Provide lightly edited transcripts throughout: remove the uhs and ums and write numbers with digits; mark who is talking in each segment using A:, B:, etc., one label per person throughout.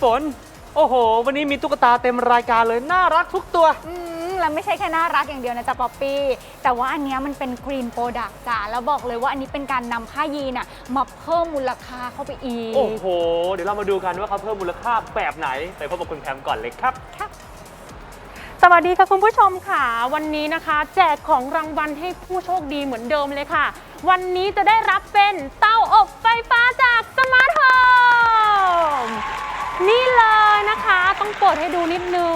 A: ฝนโอ้โหวันนี้มีตุ๊กตาเต็มรายการเลยน่ารักทุกตัว
B: แล้วไม่ใช่แค่น่ารักอย่างเดียวนะจ๊ะป๊อปปี้แต่ว่าอันนี้มันเป็นกรีนโปรดักต์จ้ะแล้วบอกเลยว่าอันนี้เป็นการนำผ้ายีนมาเพิ่มมูลค่าเข้าไปอีก
A: โอ้โหเดี๋ยวเรามาดูกันว่าเขาเพิ่มมูลค่าแบบไหนไปพบกับคุณแพมก่อนเลยครับ
C: สวัสดีค่ะคุณผู้ชมค่ะวันนี้นะคะแจกของรางวัลให้ผู้โชคดีเหมือนเดิมเลยค่ะวันนี้จะได้รับเป็นเตาอบไฟฟ้าจากสมาร์ทโฮมนี่เลยนะคะต้องเปิดให้ดูนิดนึง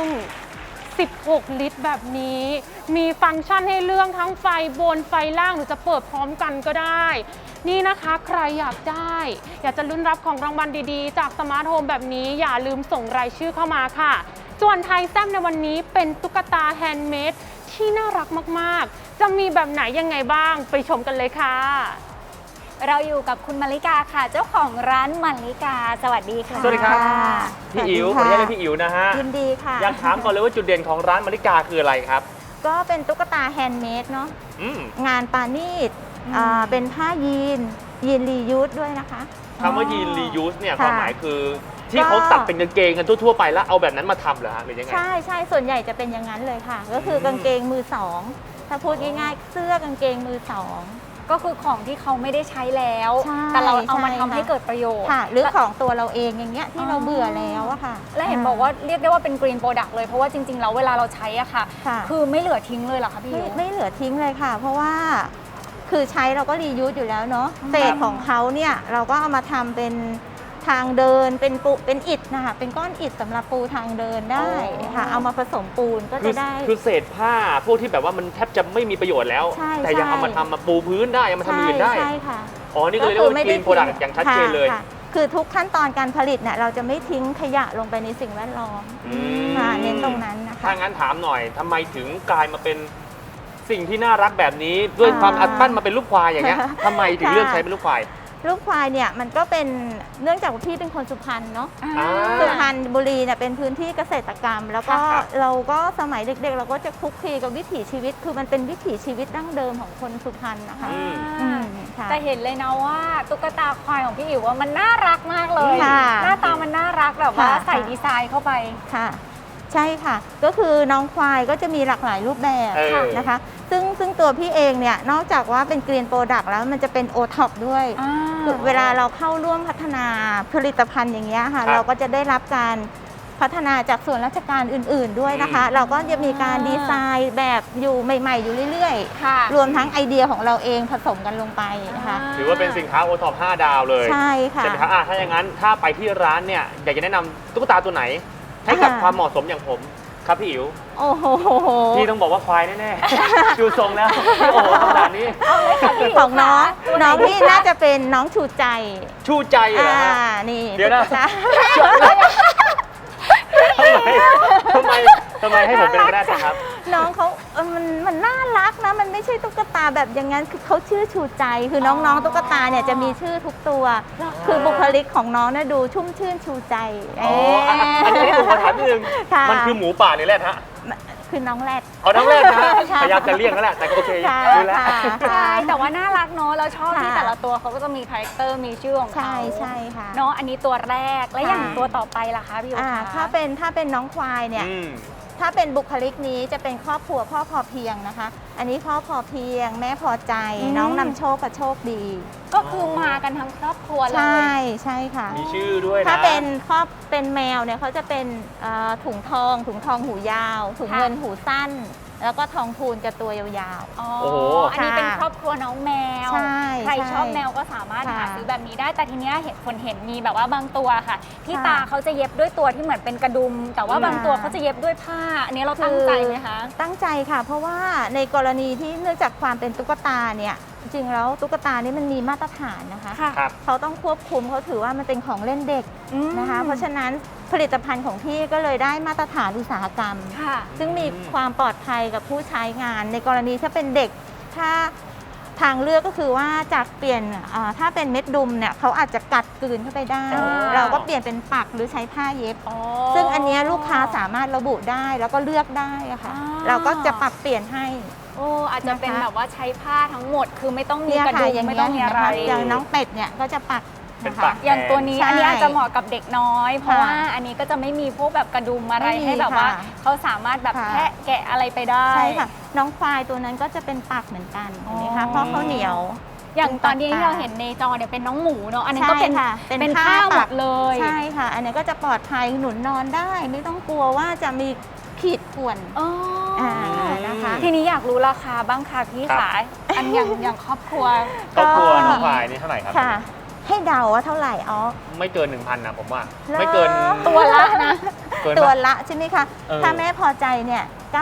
C: 16 ลิตรแบบนี้มีฟังก์ชันให้เลือกทั้งไฟบนไฟล่างหรือจะเปิดพร้อมกันก็ได้นี่นะคะใครอยากได้อยากจะลุ้นรับของรางวัลดีๆจากสมาร์ทโฮมแบบนี้อย่าลืมส่งรายชื่อเข้ามาค่ะส่วนไทยแซ่บในวันนี้เป็นตุ๊กตาแฮนด์เมดที่น่ารักมากๆจะมีแบบไหนยังไงบ้างไปชมกันเลยค่ะ
B: เราอยู่กับคุณมาริกาค่ะเจ้าของร้านมาริกาสวัสดีค่ะ
A: สวัสดีครับพี่อิ๋วขออนุญาตเรียกพี่อิ๋วนะฮะ
D: ยินดีค่ะ
A: อยากถามก่อนเลยว่าจุดเด่นของร้านมาริกาคืออะไรครับ
D: ก็เป็นตุ๊กตาแฮนด์เมดเนาะงานปานีตเป็นผ้ายีนรียูสด้วยนะคะ
A: คำว่ายีนรียูสเนี่ยความหมายคือที่เขาตัดเป็นกางเกงกันทั่วๆไปแล้วเอาแบบนั้นมาทำเหรอฮะหรือยังไง
D: ใช่ส่วนใหญ่จะเป็นอย่างนั้นเลยค่ะก็คือกางเกงมือสองถ้าพูดง่ายๆเสื้อกางเกงมือสอง
B: ก็คือของที่เขาไม่ได้ใช้แล้วแต่เราเอามาทำให้เกิดประโยชน์
D: ค่ะหรือของตัวเราเองอย่างเงี้ยที่เราเบื่อแล้วอะค่ะ
B: และเห็นบอกว่าเรียกได้ว่าเป็นกรีนโปรดักต์เลยเพราะว่าจริงๆแล้วเวลาเราใช้อะค่ะคือไม่เหลือทิ้งเลยเหรอคะพี่
D: ไม่เหลือทิ้งเลยค่ะเพราะว่าคือใช้เราก็รียูสอยู่แล้วเนาะเศษของเขาเนี่ยเราก็เอามาทำเป็นทางเดินเป็นอิฐนะคะเป็นก้อนอิฐสำหรับปูทางเดินได้ค่ะเอามาผสมปูนก็จะได้
A: คือเศษผ้าพวกที่แบบว่ามันแทบจะไม่มีประโยชน์แล้วแต่ยังเอามาทำมาปูพื้นได้ยังมาทำอื่นได้
D: ใช่ค่ะ
A: อ๋อนี่ก็เลยเรียกว่ากรีนโปรดักต์อย่างชัดเจนเลย
D: คือทุกขั้นตอนการผลิตเนี่ยเราจะไม่ทิ้งขยะลงไปในสิ่งแวดล้อมเน้นตรงนั้นนะคะ
A: ถ้างั้นถามหน่อยทำไมถึงกลายมาเป็นสิ่งที่น่ารักแบบนี้ด้วยความอัดปั้นมาเป็นลูกควายอย่างเงี้ยทำไมถึงเลือกใช้เป็นลูกควาย
D: ลูกควายเนี่ยมันก็เป็นเนื่องจากว่าพี่เป็นคนสุพรรณเนาะสุพรรณบุรีเนี่ยเป็นพื้นที่เกษตรกรรมแล้วก็เราก็สมัยเด็กๆเราก็จะคลุกคลีกับวิถีชีวิตคือมันเป็นวิถีชีวิตดั้งเดิมของคนสุพรรณนะคะ
B: แต่เห็นเลยนะว่าตุ๊กตาควายของพี่อิ๋วว่ามันน่ารักมากเลยหน้าตามันน่ารักแบบว่าใส่ดีไซน์เข้าไป
D: ค่ะใช่ค่ะก็คือน้องควายก็จะมีหลากหลายรูปแบบนะคะซึ่งตัวพี่เองเนี่ยนอกจากว่าเป็นกรีนโปรดักต์แล้วมันจะเป็นโอท็อปด้วยเวลาเราเข้าร่วมพัฒนาผลิตภัณฑ์อย่างเงี้ยค่ะเราก็จะได้รับการพัฒนาจากส่วนราชการอื่นๆด้วยนะคะเราก็จะมีการดีไซน์แบบอยู่ใหม่ๆอยู่เรื่อยๆรวมทั้งไอเดียของเราเองผสมกันลงไปนะคะ
A: ถือว่าเป็นสินค้าโอท็อป5 ดาวเลย
D: ใช่ค่ะ
A: ใช่ไหมครับถ้าอย่างนั้นถ้าไปที่ร้านเนี่ยอยากจะแนะนำตุ๊กตาตัวไหนให้กับความเหมาะสมอย่างผมครับพี่อิ๋ว
D: โอ้โห
A: พี่ต้องบอกว่าควายแน่ๆดูทรงแล้วโอ้โหขนาดนี้
D: ของน้องพี่น่าจะเป็นน้องชูใจ
A: เหรอ
D: นี่
A: เดี๋ยวนะทำไมให้ผมเป็นก็ได้ครับ
D: น้องเขามันน่ารักนะมันไม่ใช่ตุ๊กตาแบบอย่างนั้นคือเขาชื่อชูใจคือน้องๆตุ๊กตาเนี่ยจะมีชื่อทุกตัวคือบุคลิกของน้องเนี่ยดูชุ่มชื่นชูใจ
A: อันนี้ผมขอถามนิดนึงมันคือหมูป่าหรือแรดฮะ
D: คือน้องแรด
A: น้องแรดนะพยายามจะเลี่ยงแล้วแหละแต่โอเคดูแล
B: ใช่แต่ว่าน่ารักเนาะแล้วชอบที่แต่ละตัวเขาก็จะมีคาแรคเตอร์มีชื่อของเขา
D: ใช่ค่ะ
B: เนาะอันนี้ตัวแรกแล้วอย่างตัวต่อไปล่ะคะพี่อิ๋วคะ
D: ถ้าเป็นน้องควายเนี่ยถ้าเป็นบุคลิกนี้จะเป็นครอบครัวพ่อพอเพียงนะคะอันนี้พ่อพอเพียงแม่พอใจน้องนำโชคกับโชคดี
B: ก็คือมากันทั้งครอบครัวเลย
D: ใช่ค่ะ
A: มีชื่อด้วยนะ
D: ถ้าเป็นแมวเนี่ยเขาจะเป็นถุงทองหูยาวถุงเงินหูสั้นแล้วก็ทองพูนกับตัวยาว
B: ๆอันนี้เป็นครอบครัวน้องแมวใครชอบแมวก็สามารถหาซื้อแบบนี้ได้แต่ทีเนี้ยเห็นมีแบบว่าบางตัวค่ะที่ตาเขาจะเย็บด้วยตัวที่เหมือนเป็นกระดุมแต่ว่าบางตัวเขาจะเย็บด้วยผ้าอันนี้เราตั้งใจไหมคะ
D: ตั้งใจค่ะเพราะว่าในกรณีที่เนื่องจากความเป็นตุ๊กตาเนี่ยจริงๆแล้วตุ๊กตานี่มันมีมาตรฐานนะคะเขาต้องควบคุมเขาถือว่ามันเป็นของเล่นเด็กนะคะเพราะฉะนั้นผลิตภัณฑ์ของพี่ก็เลยได้มาตรฐานอุตสาหกรรมซึ่งมีความปลอดภัยกับผู้ใช้งานในกรณีถ้าเป็นเด็กถ้าทางเลือกก็คือว่าจากเปลี่ยนถ้าเป็นเม็ดดุมเนี่ยเขาอาจจะกัดกลืนเข้าไปได้เราก็เปลี่ยนเป็นปักหรือใช้ผ้าเย็บซึ่งอันนี้ลูกค้าสามารถระบุได้แล้วก็เลือกได้ค่ะเราก็จะปรับเปลี่ยนให้
B: อาจจะเป็นแบบว่าใช้ผ้าทั้งหมดคือไม่ต้องมีกระดุมไม่ต้องมีอะไร
D: อย่างน้องเป็ดเนี่ยก็จะปัก
A: เป็น
D: นะคะ
A: ปาก
B: อย่างตัวนี้
D: ใช่
B: อันนี้อาจจะเหมาะกับเด็กน้อย เพราะ
D: ค่ะ
B: ว่าอันนี้ก็จะไม่มีพวกแบบกระดุมอะไร
D: ไม่มี
B: ให้แบบว่า
D: ค่ะ
B: เขาสามารถแบบ
D: ค่ะ
B: แคะแกะอะไรไปได้
D: ใช่ค่ะ น้องควายตัวนั้นก็จะเป็นปากเหมือนกันเห็นไหมคะ
B: อ๋อ
D: เพราะเขาเหนียว
B: อย่างตอนนี้ที่เราเห็นในจอเนี่ยเป็นน้องหมูเนาะอันนั้นก็เป็น
D: ใช่ค่ะ
B: เป็นข้าวหมดเลย
D: ใช่ค่ะ อันนี้ก็จะปลอดภัยหนุนนอนได้ ไม่ต้องกลัวว่าจะมีขีดข่วน
B: อ๋ออ
D: นะคะ
B: ทีนี้อยากรู้ราคาบ้างค่ะพี่
A: ครับ
B: ขาอันอย่างครอบครัว
A: ครอบครัว
D: ก็
A: น้องควายนี่เท่าไหร่ครับ
D: ค่ะ ให้เดาว่าเท่าไหร่อ๋อ
A: ไม่เกิน 1,000นะผมว่า
D: เหรอ
A: ไม่เกิน
B: ตัวละนะ
A: เกิน
D: ตัว
A: ปะ
D: ละใช่ไหมคะ
A: เออ
D: ถ้าแม่พอใจเนี่ย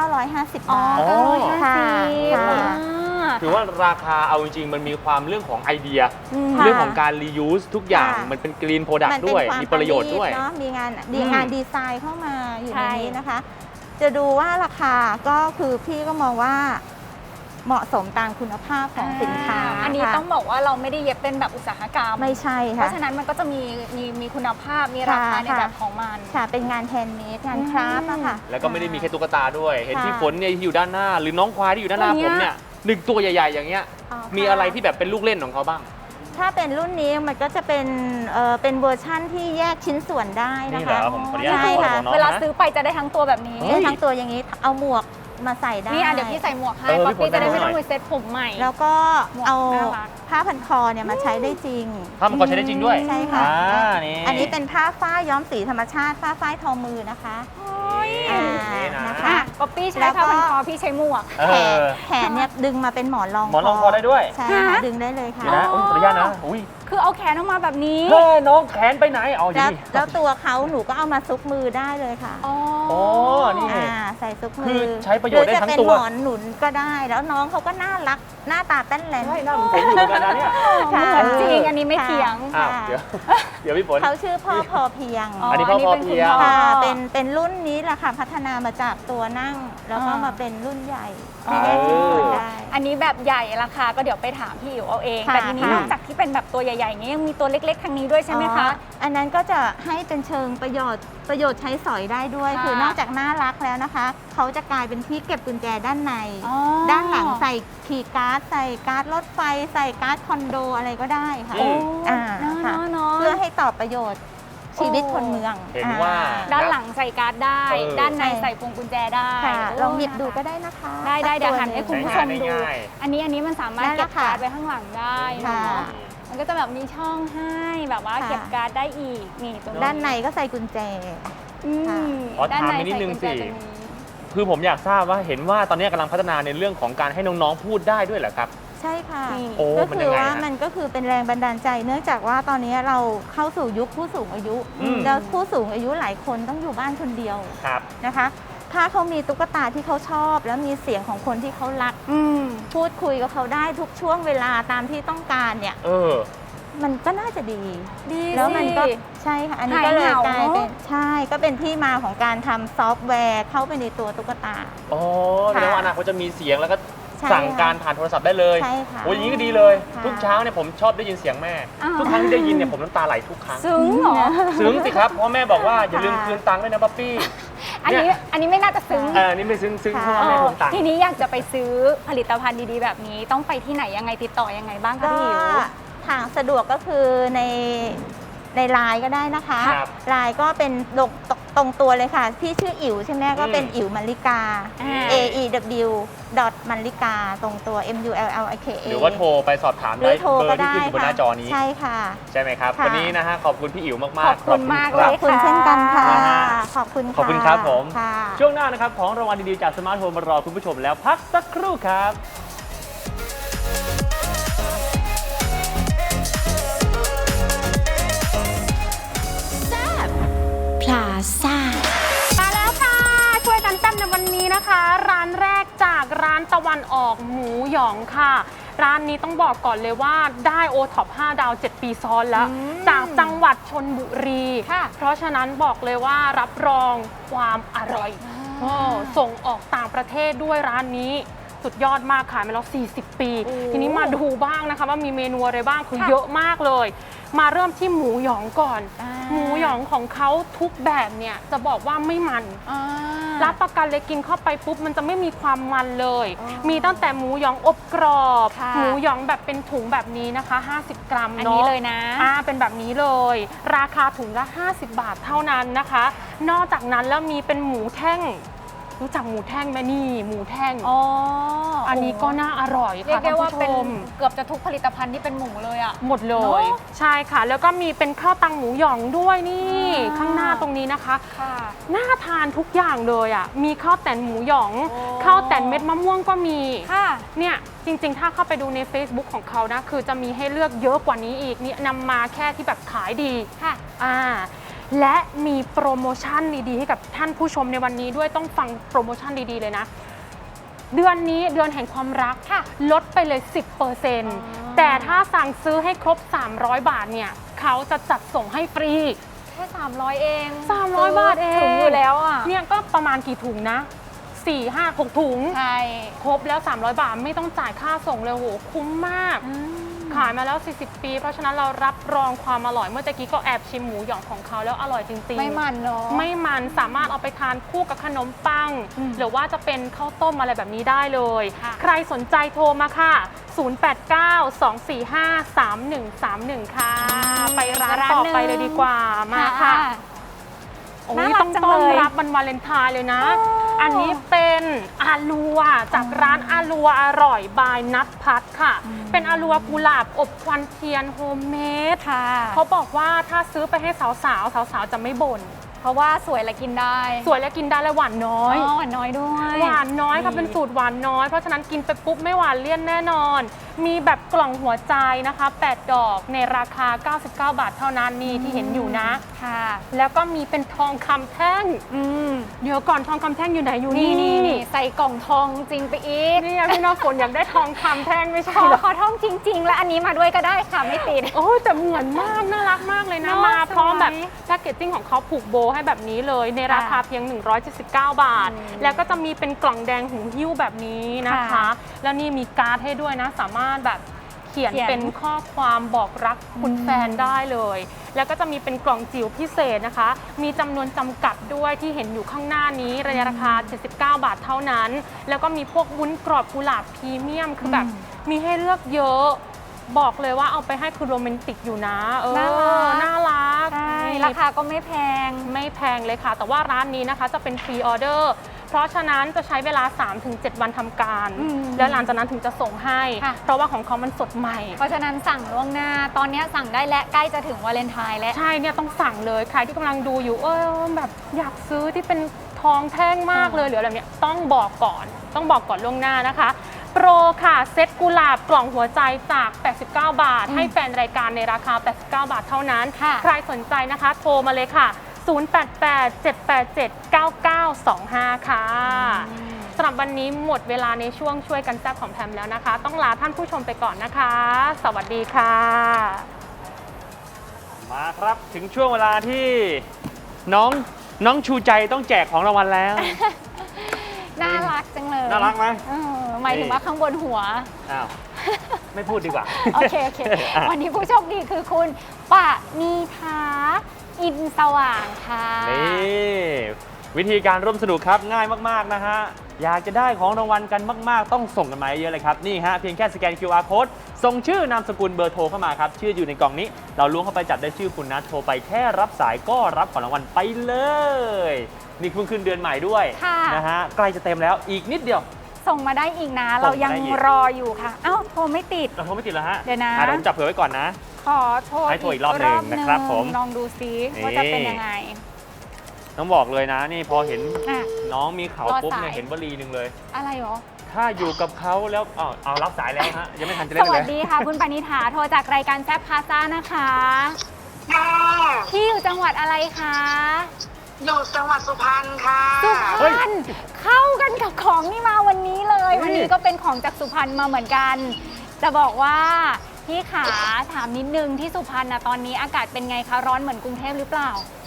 D: 950
B: อ๋อบ
D: าท
A: อ๋อ
B: 950
D: ค่ะ
B: อ่า
A: ถือว่าราคาเอาจริงๆ มันมีความเรื่องของไอเดีย
D: ค่ะ
A: เรื่องของการ reuse ทุกอย่าง
D: ค่ะ
A: มันเป็น green product
D: มันเป็น
A: ด้วย
D: ความ
A: มีประโยชน์ด้วย
D: เนาะมีงาน
A: อืม
D: งานดีไซน์เข้ามาอยู่ใน
B: ใช่
D: นี้นะคะ จะดูว่าราคาก็คือพี่ก็มองว่าเหมาะสมตามคุณภาพของสินค้า
B: อันนี้
D: ค่ะ
B: ต้องบอกว่าเราไม่ได้เย็บเป็นแบบอุตสาหกรรม
D: ไม่ใช่
B: เพ
D: ค่ะ
B: ราะฉะนั้นมันก็จะมีคุณภาพมีราคาใน
D: ค่ะ
B: แบบของมัน
D: ค่ะ เป็นงานแฮนด์เมดงานคราฟต์อะค่ะ
A: แล้วก็ไม่ได้มีแค่ตุ๊กตาด้วย เห็น
D: ค่ะ
A: พี่ฝนเนี่ยที่อยู่ด้านหน้า หรือน้องควายที่อยู่ด้านหน้า
B: ตัวเนี้
A: ผ
B: ย
A: มเนี่ยหนึ่งตัวใหญ่ ๆ อย่างเงี้ย
B: อ๋อ
A: มีอะไรที่แบบเป็นลูกเล่นของเขาบ้าง
D: ถ้าเป็นรุ่นนี้มันก็จะเป็นเวอร์ชั่นที่แยกชิ้นส่วนได้นะ
A: นี่เหร
D: คะ
A: อผมขออนุญาต
D: ใช่
A: ดู
D: ค่ะ
A: ของน้อง
B: เวลา
A: นะ
B: ซื้อไปจะได้ทั้งตัวแบบนี้
A: เฮ้ย
D: ทั้งตัวอย่างนี้เอาหมวกมาใส่ได้
B: นี่เดี๋ยวพี่ใส่หมวกให้
A: เออ
B: ป๊อป
A: พี่ฝน
B: ปี้จะได้
A: ใส่
B: ไม่
A: หมวก
B: ต้องไปเซ็ตผมใหม่
D: แล้วก็
B: หมวก
D: เอา
B: น่ารัก
D: ผ้าพันคอเนี่ยมาใช้ได้จริง
A: ถ้ามันก็ใช้ได้จริงด้วย
D: ใช่ค่ะ
A: นี่
D: อันนี้เป็นผ้าฝ้ายย้อมสีธรรมชาติผ้าฝ้ายทอมือนะคะ
A: นี่
D: นะ
A: นะคะ
B: อ่ะป๊อปปี้ใช้
D: แล้วก็
B: ผ้าพันคอพี่ใช้หมวก
A: เออ
D: แขนเนี่ยดึงมาเป็นหมอนรอง
A: หมอนรองคอได้ด้วย
D: ใช่ค่ะ
B: ฮะ
D: ดึงได้เลยค่ะ
A: เดี๋ยวนะอุ๊ยขออนุญาตนะอุ้ย
B: คือเอาแขนออกมาแบบนี้
A: เฮ้ยน้องแขนไปไหนเอาอยู่
D: แล้ว
A: นี่
D: แล้วตัวเขาหนูก็เอามาซุกมือได้เลยค่ะ
B: อ๋อ
A: โอ้นี่
D: ใส่ซุกมื
A: คือใช้ประโยชน์ได้ทั้งตัว
D: หรือจะเป็นหมอนหนุนก็ได้ แล้วน้องเขาก็น่ารักหน้าตาเต้นแรง
A: ใช่หน้าเหมือนผมอยู่เหมือนกันนะเนี่ย
D: ค่ะ
B: เหมือนจริงอันนี้ไม่เถียง
A: อ้าว
D: ค่ะ
A: เดี๋ยวพี่ฝน
D: เขาชื่อพ่อพอเพียง
A: อันนี้พ่อพอเพียง
D: ค่ะเป็นรุ่นนี้แหละค่ะพัฒนามาจากตัวนั่ง แล้วก็มาเป็นรุ่นใหญ่ที่แยกชิ้นส่วนได้
B: อันนี้แบบใหญ่ราคาก็เดี๋ยวไปถามพี่อิ๋วเอาเอง
D: ค่ะ
B: แต่ทีนี้
D: ค่ะ
B: นอกจากที่เป็นแบบตัวใหญ่ๆอย่างนี้ยังมีตัวเล็กๆทางนี้ด้วยใช่ไหมคะ
D: อ๋ออันนั้นก็จะให้เป็นเชิงประโยชน์ใช้สอยได้ด้วย
B: ค่ะ
D: คือนอกจากน่ารักแล้วนะคะ เขาจะกลายเป็นที่เก็บกุญแจด้านใน
B: อ๋อ
D: ด้านหลังใส่คีย์การ์ดใส่การ์ดรถไฟใส่การ์ดคอนโดอะไรก็ได้ค่ะ
A: อืม
D: อ่า
B: เนาะ
D: ค่ะ
B: เนาะ
D: เพื่อให้ตอบประโยชน์ชีวิตคนเมือง
A: เห็นว่า
B: ด้านหลังใส่การ์ดได้
A: เออ
B: ด้านในใส่พวงกุญแจได้
D: ค่ะ
B: โ
D: ลองหยิบดูก็ได้นะคะ
B: ได้เดี๋ยวหันให้
D: สัก
B: คุณ
D: ตัว
B: ผู้ชม
A: ใช้
B: ดู
A: งานได้ง่าย
B: อันนี้มันสามารถ
D: ได้แล้
B: เก็บ
D: วค่ะ
B: การ์ดไว้ข้างหลังได้
D: ค่ะ
B: เนาะมันก็จะแบบมีช่องให้แบบว่า
D: ค่ะ
B: เก็บการ์ดได้อีกนี่ตรง
D: ด้านในก็ใส่กุญแจ
B: อืม
D: ค่ะ
A: ขอ
B: ด้าน
A: ถาม
B: ใน
A: นิดนึง
B: ใส่กุญแจ
A: สิ
B: ตรงนี้
A: คือผมอยากทราบว่าเห็นว่าตอนนี้กำลังพัฒนาในเรื่องของการให้น้องๆพูดได้ด้วยเหรอครับ
D: ใช่ค่ะ
B: นี่
A: โอ้
D: ก็
A: มัน
D: คื
A: ยั
D: อง
A: ไง
D: ว่า
A: ฮะ
D: มันก็คือเป็นแรงบันดาลใจ เนื่องจากว่าตอนนี้เราเข้าสู่ยุคผู้สูงอายุ
A: อืม
D: แล้วผู้สูงอายุหลายคนต้องอยู่บ้านคนเดียว
A: ครับ
D: นะคะ ถ้าเขามีตุ๊กตาที่เขาชอบ แล้วมีเสียงของคนที่เขารัก
B: อืม
D: พูดคุยกับเขาได้ทุกช่วงเวลาตามที่ต้องการเนี่ย
A: เออ
D: มันก็น่าจะดี
B: ดี
D: แล้วมันก็
B: สิ
D: ใช่ค่ะ อันนี้
B: หาย
D: ก็เลย
B: เหงาก
D: ลายเป็น
B: เนอะ
D: ใช่ก็เป็นที่มาของการทำซอฟต์แวร์เข้าไปในตัวตุ๊กตา
A: อ๋อแสดงว่าอนาคตจะมีเสียงแล้วก็
D: ใช่
A: สั่งการผ่านโทรศัพท์ได้เลย
D: ใช่ค่ะ
A: โอ้ยอย่างนี้ก็ดีเลย
D: ค่ะ
A: ทุกเช้าเนี่ยผมชอบได้ยินเสียงแม่
B: อ้าว
A: ทุกครั้งที่ได้ยินเนี่ยผมน้ำตาไหลทุกครั้ง
B: ซึ้งเหรอ
A: ซึ้งสิครับ เพราะแม่บอกว่าอย่าลืม
D: ค่ะ
A: คืนตังค์ด้วยนะป๊อปปี้
B: อันนี้
A: เนี่ย
B: อันนี้ไม่น่าจะซึ้ง
A: นี่ไม่ซึ้งเพ
D: ค่ะ
A: ราะว่าแม่ผมตังค์
B: ทีนี้อยากจะไปซื้อผลิตภัณฑ์ดีๆแบบนี้ต้องไปที่ไหนยังไงติดต่อยังไงบ้างคะ
D: ก็
B: พี่อิ๋ว
D: ทางสะดวกก็คือในไลน์ก็ได้นะคะ
A: ครับ
D: ไลน์ก็เป็นตรงตัวเลยค่ะ พี่ชื่ออิ๋วใช่ไหมก็เป็น
A: อืม
D: อิ๋วมัลลิกา
B: อ่า
D: AEW มัลลิกาตรงตัว MULLIKA
A: หรือว่าโทรไปสอบถาม
D: หรื
A: ได้
D: อโทร
A: เบอ
D: ก็
A: ร์ที่
D: ได้
A: ขึ้นอยู่บนห
D: ค่ะ
A: น้าจอนี้
D: ใช่ค่ะ
A: ใช่ไหมครับ
D: ค่ะ
A: วันนี้นะฮะขอบคุณพี่อิ๋วมากๆ
B: ขอบคุณมาก
A: ค
B: เล
A: รับ
B: ย
D: ขอบคุณเช่นกันค่ะ
A: นะฮะ
D: ขอบคุณ
A: ขอบคุณครับผม
D: ค่ะ
A: ช่วงหน้านะครับของรางวัลดีๆจากสมาร์ทโฟนมารอคุณผู้ชมแล้วพักสักครู่ครับ
E: พลาซ่า
C: มาแล้วค่ะ ช่วยกันแต้มในวันนี้นะคะ ร้านแรกจากร้านตะวันออกหมูหยองค่ะ ร้านนี้ต้องบอกก่อนเลยว่าได้โอท็อป5ดาว 7 ปีซ้อนแล้ว จากจังหวัดชนบุรี
B: ค่ะ
C: เพราะฉะนั้นบอกเลยว่ารับรองความอร่อยโอ้ส่งออกต่างประเทศด้วยร้านนี้สุดยอดมากขายมาแล้ว40 ปี ทีนี้มาดูบ้างนะคะว่ามีเมนูอะไรบ้างคือเยอะมากเลย มาเริ่มที่หมูหยองก่อนหมูหยองของเขาทุกแบบเนี่ยจะบอกว่าไม่มันรับประกันเลยกินเข้าไปปุ๊บมันจะไม่มีความมันเลยมีตั้งแต่หมูหยองอบกรอบหมูหยองแบบเป็นถุงแบบนี้นะคะ50 กรัมเนาะอันนี้เลยนะเป็นแบบนี้เลยราคาถุงละ50 บาทเท่านั้นนะคะนอกจากนั้นแล้วมีเป็นหมูแท่งรู้จักหมูแท่งไหมนี่หมูแท่งอันนี้ก็น่าอร่อยค่ะ
B: เรียกได้ว่าเป็น
C: ท่านผู้ชม
B: เกือบจะทุกผลิตภัณฑ์ที่เป็นหมูเลยอะ
C: หมดเลยใช่ค่ะแล้วก็มีเป็นข้าวตังหมูหยองด้วยนี่ข้างหน้าตรงนี้นะคะน่าทานทุกอย่างเลยอ่ะมีข้าวแต่นหมูหยองข้าวแต่นเม็ดมะม่วงก็มีเนี่ยจริงๆถ้าเข้าไปดูใน Facebook ของเขานะคือจะมีให้เลือกเยอะกว่านี้อีกนี่นำมาแค่ที่แบบขายดีค่ะและมีโปรโมชั่นดีๆให้กับท่านผู้ชมในวันนี้ด้วยต้องฟังโปรโมชั่นดีๆเลยนะเดือนนี้เดือนแห่งความรักลดไปเลย 10%แต่ถ้าสั่งซื้อให้ครบ300 บาทเนี่ยเขาจะจัดส่งให้ฟรี
B: แค่300เอง
C: 300 บาทเอง
B: ถุงอยู่แล้วอ่ะ
C: เนี่ยก็ประมาณกี่ถุงนะ4 5 6 ถุงใช่ครบแล้ว300 บาทไม่ต้องจ่ายค่าส่งเลยโหคุ้มมากขายมาแล้ว40 ปีเพราะฉะนั้นเรารับรองความอร่อยเมื่อกี้ก็แอบชิมหมูหยองของเขาแล้วอร่อยจริงๆ
B: ไม่มันเนาะ
C: ไม่มันสามารถเอาไปทานคู่กับขนมปังหรือว่าจะเป็นข้าวต้มอะไรแบบนี้ได้เลยใครสนใจโทรมาค่ะ0892453131ค่ะไปร้านต่อไปเลยดีกว่ามาค่ะโอ้ยต้องต้อนรับวันวาเลนไทน์เลยนะอันนี้เป็นอาลัวจากร้านอาลัวอร่อยบายนัทพัฒน์ค่ะเป็นอาลัวกุหลาบอบควันเทียนโฮมเมดเขาบอกว่าถ้าซื้อไปให้สาวๆจะไม่บ่น
B: เพราะว่าสวยและกินได้
C: สวยและกินได้และหวานน้อย
B: หวานน้อยด้วย
C: หวานน้อยค่ะเป็นสูตรหวานน้อยเพราะฉะนั้นกินไปปุ๊บไม่หวานเลี่ยนแน่นอนมีแบบกล่องหัวใจนะคะ8ดอกในราคา99 บาทเท่านั้นนี่ที่เห็นอยู่นะค่ะแล้วก็มีเป็นทองคำแท่งเดี๋ยวก่อนทองคำแท่งอยู่ไหนอยู่
B: นี่ใส่กล่องทองจริงไปอีก
C: นี่พี่น้องฝนอยากได้ทองคำแท่งไม่ใช่หรอ
B: ขอทองจริงๆและอันนี้มาด้วยก็ได้ค่ะไม่ติด
C: โอ้แต่เหมือนมากน่ารักมากเลยนะมาพร้อมแบบแพ็กเกจจิ้งของเขาผูกโบให้แบบนี้เลยในราคาเพียง179 บาทแล้วก็จะมีเป็นกล่องแดงหูหิ้วแบบนี้นะคะแล้วนี่มีการ์ดให้ด้วยนะสามารถแบบเขียนเป็นข้อความบอกรักคุณแฟนได้เลยแล้วก็จะมีเป็นกล่องจิ๋วพิเศษนะคะมีจำนวนจำกัดด้วยที่เห็นอยู่ข้างหน้านี้ราคา79 บาทเท่านั้นแล้วก็มีพวกวุ้นกรอบกุหลาบพรีเมียมคือแบบมีให้เลือกเยอะบอกเลยว่าเอาไปให้คือโรแมนติกอยู่นะน่ารัก
B: ราคาก็ไม่แพง
C: เลยค่ะแต่ว่าร้านนี้นะคะจะเป็นพรีออเดอร์เพราะฉะนั้นจะใช้เวลา 3-7 วันทำการแล้วหลังจากนั้นถึงจะส่งให้เพราะว่าของเขามันสดใหม่
B: เพราะฉะนั้นสั่งล่วงหน้าตอนนี้สั่งได้และใกล้จะถึงวาเลนไทน์แล้ว
C: ใช่เนี่ยต้องสั่งเลยใครที่กำลังดูอยู่แบบอยากซื้อที่เป็นทองแท่งมากเลยหรืออะไรเนี่ยต้องบอกก่อนล่วงหน้านะคะโปรค่ะเซ็ตกุหลาบกล่องหัวใจจาก89 บาทให้แฟนรายการในราคา89 บาทเท่านั้นใครสนใจนะคะโทรมาเลยค่ะ0887879925ค่ะสำหรับวันนี้หมดเวลาในช่วงช่วยกันแซ่บของแพมแล้วนะคะต้องลาท่านผู้ชมไปก่อนนะคะสวัสดีค่ะ
A: มาครับถึงช่วงเวลาที่น้องชูใจต้องแจกของรางวัลแล้ว
B: น่ารักจังเลย
A: น่ารักไหม
B: หมายถึงว่าข้างบนหัว
A: อ้าวไม่พูดดีกว่า
B: โอเควันนี้ผู้โชคดีคือคุณปณีฐาอินสว่างค่ะ
A: นี่วิธีการร่วมสนุกครับง่ายมากๆนะฮะอยากจะได้ของรางวัลกันมากๆต้องส่งกันมาเยอะเลยครับนี่ฮะเพียงแค่สแกน QR code ส่งชื่อนามสกุลเบอร์โทรเข้ามาครับชื่ออยู่ในกล่องนี้เราล้วงเข้าไปจับได้ชื่อคุณนะโทรไปแค่รับสายก็รับของรางวัลไปเลยนี่เพิ่งขึ้นเดือนใหม่ด้วยนะฮะใกล้จะเต็มแล้วอีกนิดเดียว
B: ส่งมาได้อีกนะเรายังรออยู่ค่ะเอ้าโทรไม่ติด
A: เราโทรไม่ติดแล้วฮะ
B: เดี๋ยวนะ
A: ผมจับเผื่อไว้ก่อนนะ
B: ขอโทร
A: ให้โทรอีกรอบหนึ่งนะครับผม
B: ลองดูซิว่าจะเป็นยังไง
A: ต้องบอกเลยนะนี่พอเห็นน้องมีเขาปุ๊บเนี่ยเห็นวลีหนึ่งเลย
B: อะไรหรอ
A: ถ้าอยู่กับเขาแล้วเอารับสายแล้วฮะยังไม่ทันจะเล่นเลย
B: สวัสดีค่ะคุณปณิธาโทรจากรายการแซ่บพาซ่านะคะที่อยู่จังหวัดอะไรคะ
F: อยู่จังหวัดสุพรรณค่ะ
B: สุพรรณเข้ากันกับของนี่มาวันนี้เลยวันนี้ก็เป็นของจากสุพรรณมาเหมือนกันจะบอกว่าพี่ขาถามนิดนึงที่สุพรรณนะตอนนี้อากาศเป็นไงคะร้อนเหมือนกรุงเทพหรือเปล่า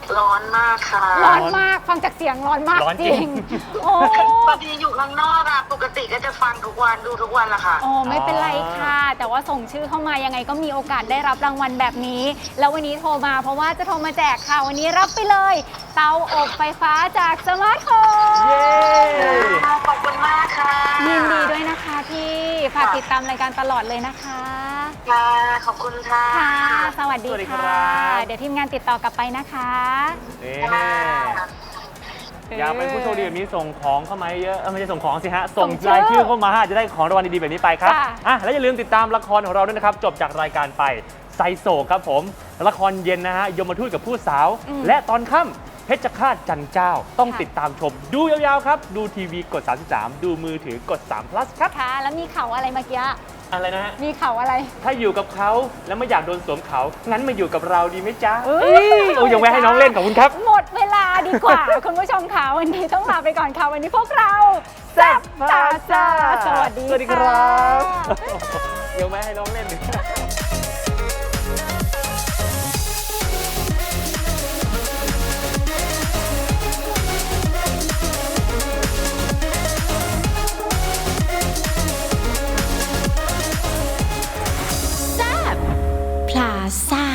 F: ร้อนมากค่ะ
B: ร้อนมากฟังจากเสียงร้อนมาก
A: ร้อน
B: จ
A: จริ
B: ริง
A: ง
B: โอ้
F: พอดีอยู่ข้างนอกอะปกติก็จะฟังทุกวันดูทุกวันละค่ะ
B: โอ้ไม่เป็นไรค่ะ แต่ว่าส่งชื่อเข้ามายังไงก็มีโอกาสได้รับรางวัลแบบนี้ แล้ววันนี้โทรมาเพราะว่าจะโทรมาแจกค่ะ วันนี้รับไปเลย เตาอบไฟฟ้าจากสมาร์ทโฮม
A: เย้
F: ขอบคุณมากค่ะ
B: ยินดีด้วยนะคะพี่ฝากติดตามรายการตลอดเลยนะคะ
F: ค่ะ ขอบคุณค่ะ
B: ค่ะ สวัสดี
A: สวัสดีครั
B: ค่ะ
A: บ
B: เดี๋ยวทีมงานติดต่อกลับไปนะคะ
A: นี่
F: ค่ะ
A: อยากเป็นผู้โชคดีแบบนี้ส่งของเข้ามาเยอะไม่ใช่ส่งของสิฮะ
B: ส่
A: ส่
B: ง
A: ง
B: ชื่อ
A: รายชื่อเข้ามาจะได้ของรางวัลดีๆแบบนี้ไปครับ
B: ค่ะ
A: อ่ะแล้วอย่าลืมติดตามละครของเราด้วยนะครับ จบจากรายการไปไซโศกครับผม ละครเย็นนะฮะยมทูตกับผู้สาว และตอนค่ำเพชรฆาตจันเจ้า ต้องติดตามชม ดูยาวๆครับ ดูทีวีกด 33 ดูมือถือกด3 plus ครับ
B: ค่ะ แล้วมีเขาอะไรเมื่อกี้
A: อะไรนะฮะ
B: มีเขาอะไร
A: ถ้าอยู่กับเขาแล้วไม่อยากโดนสวมเขา งั้นมาอยู่กับเราดีไหมจ๊ะ
B: เอ้ย
A: โอ้ยยังแวะให้น้องเล่นขอบคุณครับ
B: หมดเวลาดีกว่า คุณผู้ชมค่ะวันนี้ต้องลาไปก่อนค่ะ วันนี้พวกเราแซ่บตาซ่าสวัสดี
A: สวัสดีครับ ยังแวะให้น้องเล่น
E: พลาซ่า